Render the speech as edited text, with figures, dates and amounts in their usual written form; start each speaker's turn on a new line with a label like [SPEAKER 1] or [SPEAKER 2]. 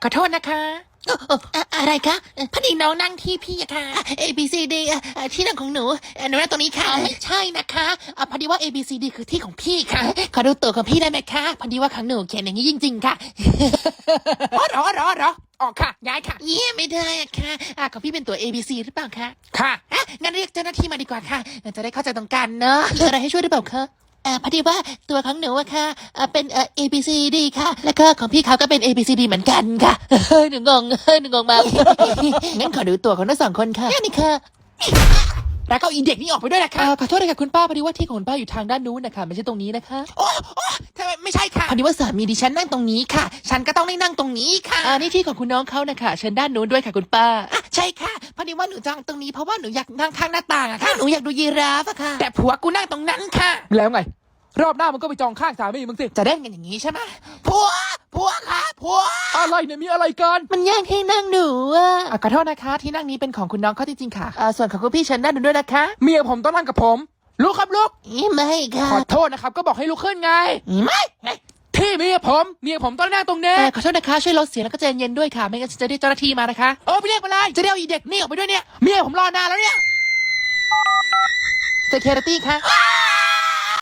[SPEAKER 1] ขอโทษนะคะอะไรคะพอดีน้องนั่งที่พี่อะค่ะ A B C D ที่นั่งของหนูหนูนั่งตรงนี้ค่ะไม่ใช่นะคะพอดีว่า A B C D คือที่ของพี่ค่ะขอดูตัวของพี่ได้ไหมคะพอดีว่าของหนูเขียนอย่างนี้จริงๆค่ะอ๋อเหรอออกค่ะย้ายค่ะไม่ได้อะค่ะของพี่เป็นตัว A B C หรือเปล่าคะค่ะงั้นเรียกเจ้าหน้าที่มาดีกว่าค่ะจะได้เข้าใจตรงกันเนอะมีอะไรให้ช่วยหรือเปล่าคะพอดีว่าตัวของหนูอะค่ะเป็นA B C D ค่ะแล้วก็ของพี่เขาก็เป็น A B C D เหมือนกันค่ะหนูงงมากงั้นขอดูตัวของทั้งสองคนค่ะนี่ค่ะแล้วก็อีเด็กนี่ออกไปด้วยนะคะขอโทษเลยค่ะคุณป้าพอดีว่าที่ของคุณป้าอยู่ทางด้านนู้นนะคะไม่ใช่ตรงนี้นะคะโอ้ทำไมไม่ใช่ค่ะพอดีว่าสามีดิฉันนั่งตรงนี้ค่ะฉันก็ต้องได้นั่งตรงนี้ค่ะนี่ที่ของคุณน้องเขานะคะเชิญด้านนู้นด้วยค่ะคุณป้าใช่ค่ะพอดีว่าหนูจองตรงนี้เพราะว่าหนูอยากนั่งข้างหน้าต่างอะค่ะหนูอยากดูยีราฟอะค่ะแต่ผัวกูนั่งตรงนั้นค่ะ
[SPEAKER 2] แล้วไงรอบหน้ามันก็ไปจองข้างสามีมึงสิ
[SPEAKER 1] จะเล่นกันอย่างนี้ใช่ไหมผัวค่ะผัว
[SPEAKER 2] อะไรเนี่ยมีอะไรกัน
[SPEAKER 1] มันแย่งที่นั่งหนูขอโทษนะคะที่นั่งนี้เป็นของคุณน้องเขาจริงๆค่ะส่วนของคุณพี่เชิญนั่งด้วยนะคะ
[SPEAKER 2] เมียผมต้องนั่งกับผมลุกครับลุก
[SPEAKER 1] ไม่ค่ะ
[SPEAKER 2] ขอโทษนะครับก็บอกให้ลุกขึ้นไง
[SPEAKER 1] ไม่
[SPEAKER 2] ที่เมียผมต้องนั่งตรงนี้
[SPEAKER 1] ขอโทษนะคะช่วยลดเสียงแล้วก็ใจเย็นด้วยค่ะไม่งั้นจะเรียกเจ้าหน้าที่มานะคะไปเรียกมาเลยจะเรียกอีเด็กนี่ออกไปด้วยเนี่ยเมียผมรอนานแล้วเนี่ย security ค่ะ